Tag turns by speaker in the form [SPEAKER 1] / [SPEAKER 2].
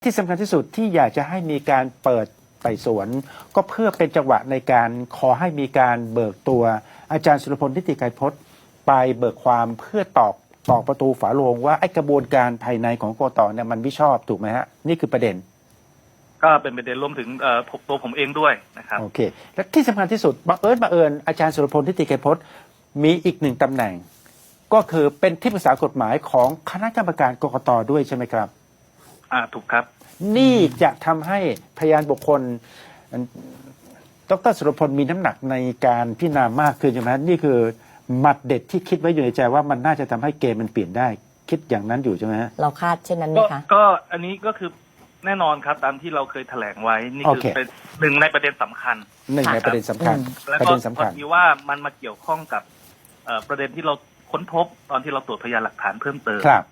[SPEAKER 1] ที่สำคัญที่สุดที่อยากจะให้มีการเปิดไต่สวน ก็เพื่อเป็นจังหวะในการขอให้มีการเบิกตัวอาจารย์สุรพลนิติไกรพจน์ไปเบิกความเพื่อตอกประตูฝาโลงว่าไอ้กระบวนการภายในของกกตเนี่ยมันไม่ชอบถูกไหมฮะนี่คือประเด็น
[SPEAKER 2] ก็เป็นประเด็นรวมถึงตัวผมเองด้วยนะครับ
[SPEAKER 1] โอเคและที่สำคัญที่สุดบังเอิญอาจารย์สุรพลนิติไกรพจน์มีอีกหนึ่งตำแหน่ง ก็คือเป็นที่ปรึกษากฎหมายของคณะกรรมการกกตด้วยใช่ไหมครับ
[SPEAKER 2] ถูกครับ
[SPEAKER 1] นี่จะทำให้พยานบุคคลดร.สุรพลมีน้ำหนักในการพิจารณามากขึ้นใช่ไหมนี่คือหมัดเด็ดที่คิดไว้อยู่ในใจว่ามันน่าจะทำให้เกมมันเปลี่ยนได้คิดอย่างนั้นอยู่ใช่ไหมฮะ
[SPEAKER 3] เราคาดเช่นนั้นไหมคะ
[SPEAKER 2] ก็อันนี้ก็คือแน่นอนครับตามที่เราเคยแถลงไว้นี่คือเป็นหนึ่งในประเด็นสำคัญ
[SPEAKER 1] หนึ่งในประเด็นสำคัญ
[SPEAKER 2] แล้วก็พอดีว่ามันมาเกี่ยวข้องกับประเด็นที่เราค้นพบตอนที่เราตรวจพยานหลักฐานเพิ่มเติม